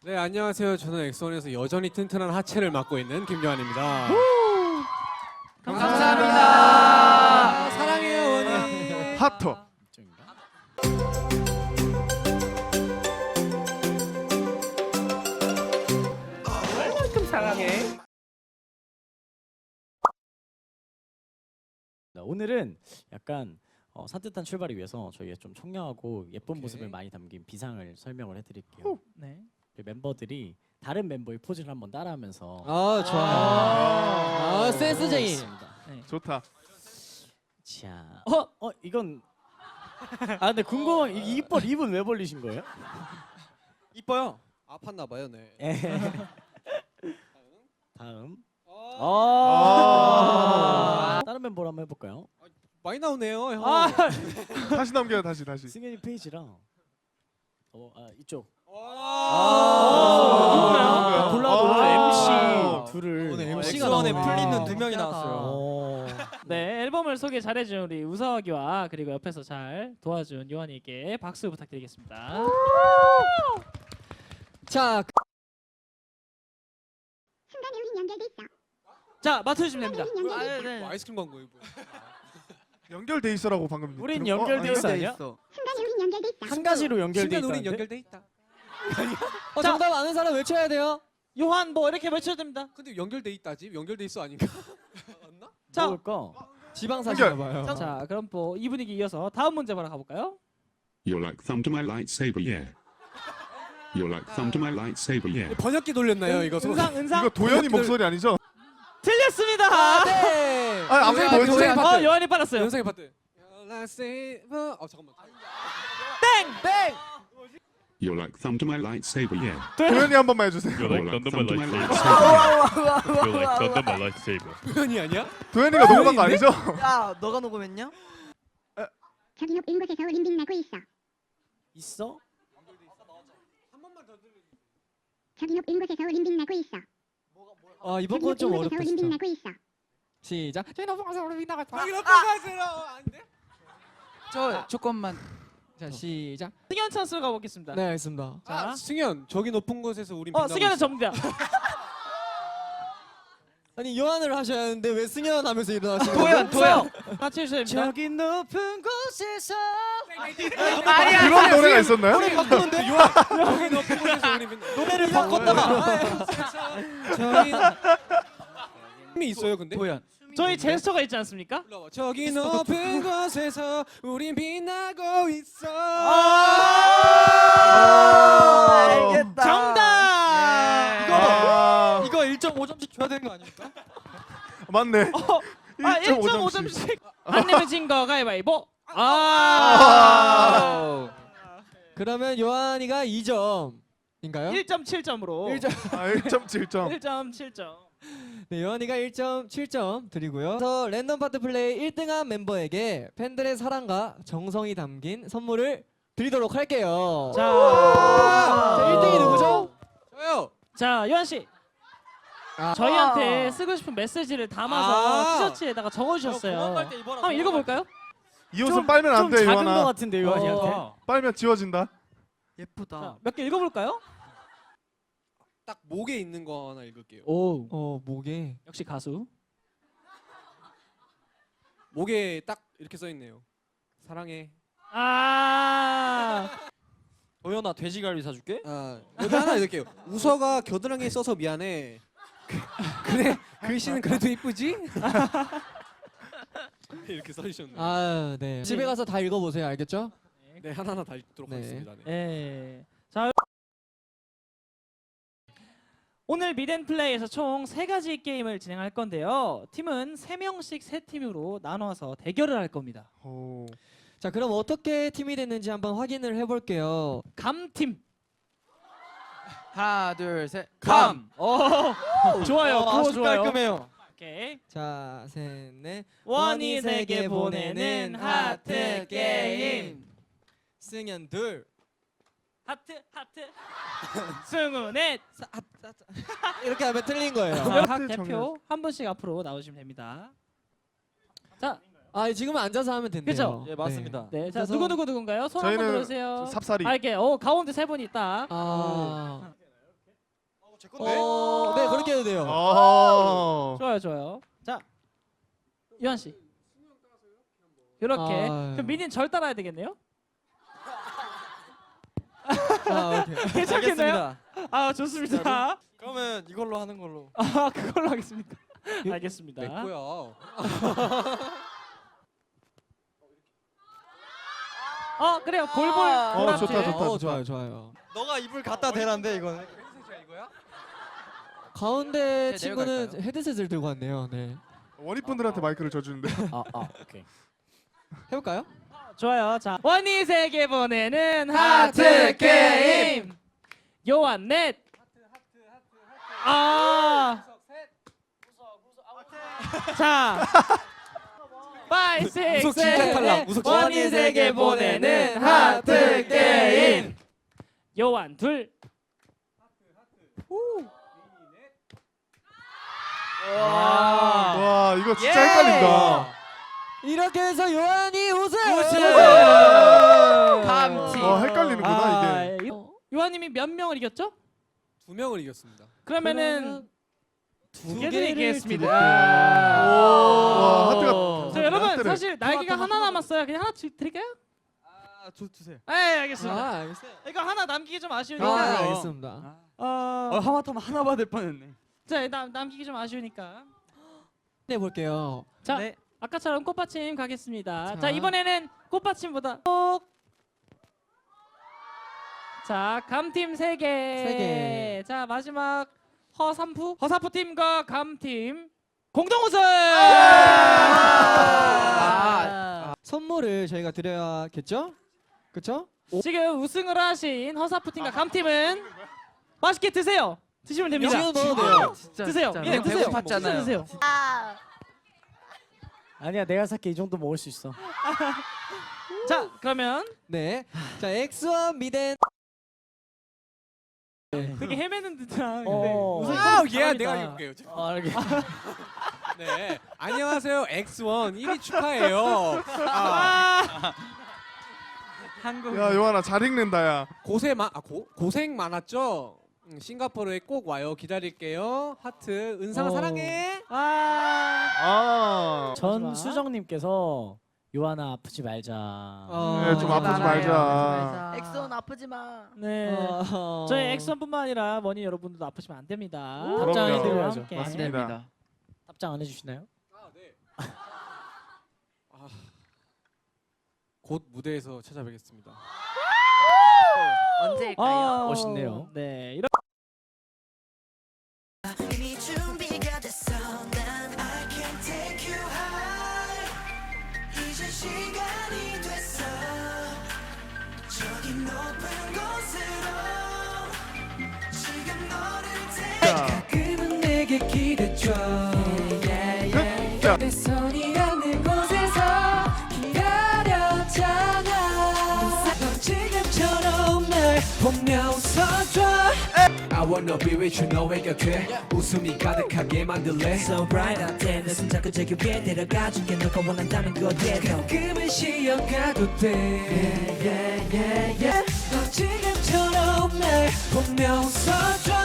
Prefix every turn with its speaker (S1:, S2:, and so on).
S1: 네, 안녕하세요. 저는 엑소원에서 여전히 튼튼한 하체를 맡고 있는 김요한입니다.
S2: 감사합니다.
S1: 사랑해요, 원희.
S3: 하터.
S2: 얼만큼 사랑해?
S4: 오늘은 약간 산뜻한 출발을 위해서 저희가 좀 청량하고 예쁜
S1: 오케이.
S4: 모습을 많이 담긴 비상을 설명을 해드릴게요.
S2: 네.
S4: 멤버들이 다른 멤버의 포즈를 한번 따라하면서
S5: 좋아요. 센스쟁이.
S3: 좋다.
S4: 자, 이건 근데 궁금한 이 입은 왜 벌리신 거예요?
S5: 이뻐요.
S1: 아팠나 봐요, 네.
S4: 다음.
S3: 아.
S4: 다른 멤버로 한번 해볼까요?
S1: 많이 나오네요, 형.
S3: 다시 넘겨요. 다시.
S4: 승현이 페이지랑 이쪽.
S3: 누구예요?
S4: 골라도 MC 둘을
S5: 오늘 MC가
S2: 엑소원에
S5: 나오네.
S2: 풀리는 두 명이 나왔어요.
S6: 네, 앨범을 소개 잘해준 우리 우석이와 그리고 옆에서 잘 도와준 요한이에게 박수 부탁드리겠습니다.
S5: 자,
S7: 순간 우린 연결돼 있어.
S6: 자, 맞춰주시면 됩니다.
S7: 우린 연결돼 있어.
S6: 네.
S1: 뭐 아이스크림 광고예요, 뭐.
S3: 연결돼 있어라고 방금.
S4: 우린
S3: 들은 거?
S4: 연결돼 있어 아니야?
S7: 순간 우린 연결돼 있어.
S4: 한 가지로 연결돼
S1: 순간 우린
S4: 있다는데?
S1: 연결돼 있다.
S5: 정답 아는 사람 외쳐야 돼요.
S6: 요한 뭐 이렇게 외쳐야 됩니다.
S1: 근데 연결돼 있다지? 연결돼 있어 아닌가? 맞나?
S6: 자,
S4: 뭘까?
S5: 지방사시나 봐요.
S6: 자, 그럼 뭐 이 분위기 이어서 다음 문제 바로 가볼까요?
S8: You're like thumb to my lightsaber, yeah. You're like thumb to my lightsaber, yeah.
S1: 번역기 돌렸나요, 이거?
S6: 은상.
S3: 이거 도현이 목소리 아니죠?
S6: 틀렸습니다.
S5: 네.
S3: 앞에 뭐였지?
S1: 도현이 파트.
S6: 요한이 빨랐어요.
S1: 영상의 파트. 잠깐만.
S5: 땡.
S8: You're like thumb to my lightsaber, yeah.
S3: 도현이 한 번만 해주세요.
S8: You're like thumb to my lightsaber.
S9: You're like thunder my lightsaber.
S1: 도현이 아니야?
S3: 도현이가 녹음한 거 아니죠?
S2: 야, 너가 녹음했냐?
S7: 저기 높은 곳에서 우린 빛나고 있어.
S4: 있어?
S7: 저기 높은 곳에서 우린 빛나고 있어.
S5: 이번
S7: 저기
S5: 건 좀
S7: 높은 곳에서
S5: 어렵다
S7: 우린
S5: 진짜.
S7: 빛나고 있어.
S5: 시작. 저희 넘어가서 우리 나갔다.
S1: 여기 높은 곳으로 아닌데?
S2: 저 조금만.
S5: 자, 시작.
S6: 승현 찬스 가보겠습니다.
S5: 네, 알겠습니다.
S6: 자,
S1: 승현, 저기 높은 곳에서 우린 빛나고
S6: 승현은
S1: 있어.
S6: 접니다.
S5: 아니 요한을 하셔야 하는데 왜 승현 하면서 일어나시는 거예요?
S2: 도현.
S6: 같이 해주셔야 됩니다.
S5: 저기 높은 곳에서
S3: 그런 노래가 있었나요?
S5: 노래 바꾸는데
S1: 저기 높은 곳에서 우린 빛나.
S5: 노래를 바꿨다가
S1: 저기 힘이 있어요, 근데?
S2: 도현.
S6: 저희 제스처가 있지 않습니까?
S1: 불러봐. 저기 높은 곳에서 우린 빛나고 있어.
S2: 알겠다.
S6: 정답.
S5: 이거 1.5점씩 줘야 되는 거 아닙니까?
S3: 맞네.
S6: 1.5점씩. 안 내면 진 거 가위바위보.
S5: 그러면 요한이가 2점인가요?
S6: 1.7점으로.
S3: 1.7점.
S6: 1.7점.
S5: 네, 요한이가 1.7점 드리고요. 그래서 랜덤 파트 플레이 1등한 멤버에게 팬들의 사랑과 정성이 담긴 선물을 드리도록 할게요.
S6: 자,
S5: 1등이 누구죠?
S1: 저요.
S6: 자, 요한 씨. 저희한테 쓰고 싶은 메시지를 담아서 티셔츠에다가 적어주셨어요. 한번 읽어볼까요?
S3: 이 옷은 빨면 안
S4: 좀
S3: 돼,
S4: 작은 거
S3: 요한아.
S4: 같은데 요한이한테.
S3: 빨면 지워진다.
S2: 예쁘다.
S6: 몇 개 읽어볼까요?
S1: 딱 목에 있는 거 하나 읽을게요.
S5: 목에.
S6: 역시 가수.
S1: 목에 딱 이렇게 써 있네요. 사랑해.
S5: 도현아 돼지갈비 사줄게.
S1: 여기 하나 읽을게요. 우서가 겨드랑이에 써서 미안해. 그래, 글씨는 그래도 이쁘지? 이렇게 써주셨네요.
S5: 네. 집에 가서 다 읽어보세요. 알겠죠?
S1: 네, 하나하나 다 읽도록
S5: 네.
S1: 하겠습니다. 네.
S6: 네. 자, 오늘 미덴플레이에서 총 3가지 게임을 진행할 건데요. 팀은 3명씩 3팀으로 나눠서 대결을 할 겁니다.
S5: 자, 그럼 어떻게 팀이 됐는지 한번 확인을 해볼게요.
S6: 감팀.
S2: 하나, 둘, 셋.
S6: 감. 좋아요. 구호 좋아요.
S5: 깔끔해요.
S6: 오케이.
S5: 자, 셋, 넷.
S6: 원이 세계 보내는 하트 게임.
S5: 승현 둘.
S6: 하트. 승우 넷.
S5: 이렇게 하면 틀린 거예요.
S6: 각 대표 한 분씩 앞으로 나오시면 됩니다. 자,
S5: 지금은 앉아서 하면 된대요.
S6: 그죠?
S5: 예, 맞습니다.
S6: 네, 자
S5: 그래서-
S6: 누구누구인가요? 손 한번
S3: 저희는
S6: 들어주세요.
S3: 삽살이.
S6: 이렇게 가운데 3분 있다.
S5: 네 그렇게 해도 돼요.
S6: 좋아요, 좋아요. 자, 유한 씨. 이렇게.
S5: 아,
S6: 그럼 민인 절 따라야 되겠네요?
S5: 오케이.
S6: 괜찮겠나요? 아, 좋습니다.
S2: 그러면 이걸로 하는 걸로.
S6: 아, 그걸로 하겠습니까? 알겠습니다.
S1: 내 거야.
S6: 그래요. 볼볼.
S3: 좋다,
S6: 보라색.
S3: 좋다.
S5: 좋아요 좋아요.
S2: 너가 입을 갖다 대란데 이거는.
S5: 가운데
S2: 네,
S5: 친구는
S2: 내려갈까요?
S5: 헤드셋을 들고 왔네요. 네.
S3: 원희분들한테 마이크를 져주는데.
S4: 오케이.
S5: 해볼까요?
S6: 좋아요. 자, 원희세계 보내는 하트 게임. 요한 넷. 자. 5, 6,
S1: 우석 진짜 탈락. 우석 진짜
S6: 원희세계 보내는 하트 게임. 요한 둘.
S3: 와 이거 진짜
S2: 예.
S3: 헷갈린다.
S5: 이렇게 해서 요한이 우승.
S2: 감티.
S3: 헷갈리는구나 이게.
S6: 요한님이 몇 명을 이겼죠?
S1: 2명을 이겼습니다.
S6: 그러면은 두 개 드리겠습니다.
S3: 와 하트가.
S6: 자, 여러분
S3: 하트를.
S6: 사실 날개가 하나 남았어요. 그냥 하나 드릴까요?
S2: 주세요.
S6: 네, 알겠습니다.
S5: 알겠어요.
S6: 이거 하나 남기기 좀 아쉬우니까.
S5: 알겠습니다.
S2: 하마터면 하나 받을 뻔했네.
S6: 자, 남기기 좀 아쉬우니까.
S5: 네 볼게요.
S6: 자,
S2: 네.
S6: 아까처럼 꽃받침 가겠습니다. 자,
S5: 자.
S6: 이번에는 꽃받침보다 꼭. 자, 감팀 3개.
S5: 세 개.
S6: 자, 마지막 허사프 팀과 감팀 공동 우승.
S5: 선물을 저희가 드려야겠죠? 그렇죠?
S6: 지금 우승을 하신 허사프 팀과 감팀은 맛있게 드세요. 드시면 됩니다.
S5: 지금 넣어도 돼요.
S2: 진짜
S6: 드세요.
S2: 진짜.
S6: 예,
S2: 너무
S6: 드세요.
S2: 배고팠잖아요.
S6: 드세요.
S4: 아니야 내가 살게 이 정도 먹을 수 있어.
S6: 자, 그러면
S5: 네. 자 엑스와 미덴.
S6: 되게 헤매는 듯한.
S4: 어.
S6: 우승
S1: 내가
S6: 잘합니다.
S1: 읽을게요.
S4: 알게.
S1: 네. 안녕하세요. X1 1위 축하해요.
S2: 한국.
S3: 야 요한아 잘 읽는다 야.
S1: 고생 많았죠? 싱가포르에 꼭 와요. 기다릴게요. 하트. 은상아 사랑해.
S4: 전수정님께서 요한아 아프지 말자.
S3: 네, 좀 아프지 말자.
S2: 엑소는 아프지 마.
S6: 네. 저희 엑선뿐만 아니라 머니 여러분들도 아프시면 안 됩니다.
S4: 답장해드려야죠.
S6: 함께.
S3: 맞습니다.
S4: 답장 안 해주시나요?
S1: 곧 무대에서 찾아뵙겠습니다.
S2: 언제일까요?
S4: 멋있네요.
S6: 네.
S10: 이미 준비가 됐어 난 I can take you high 이제 시간이 됐어 저기 높은 곳으로 지금 너를 가끔은 내게 기대줘 내 손이 닿는 곳에서 기다렸잖아 넌 지금처럼 날 보며 웃어줘 I wanna be with you 너의 곁에 웃음이 가득하게 만들래 So bright out there 내 손잡고 저기 위에 데려가줄게 너가 원한다면 그대로 가끔은 쉬어가도 돼 yeah, yeah, yeah, yeah. 너 지금처럼 날 보며 웃어줘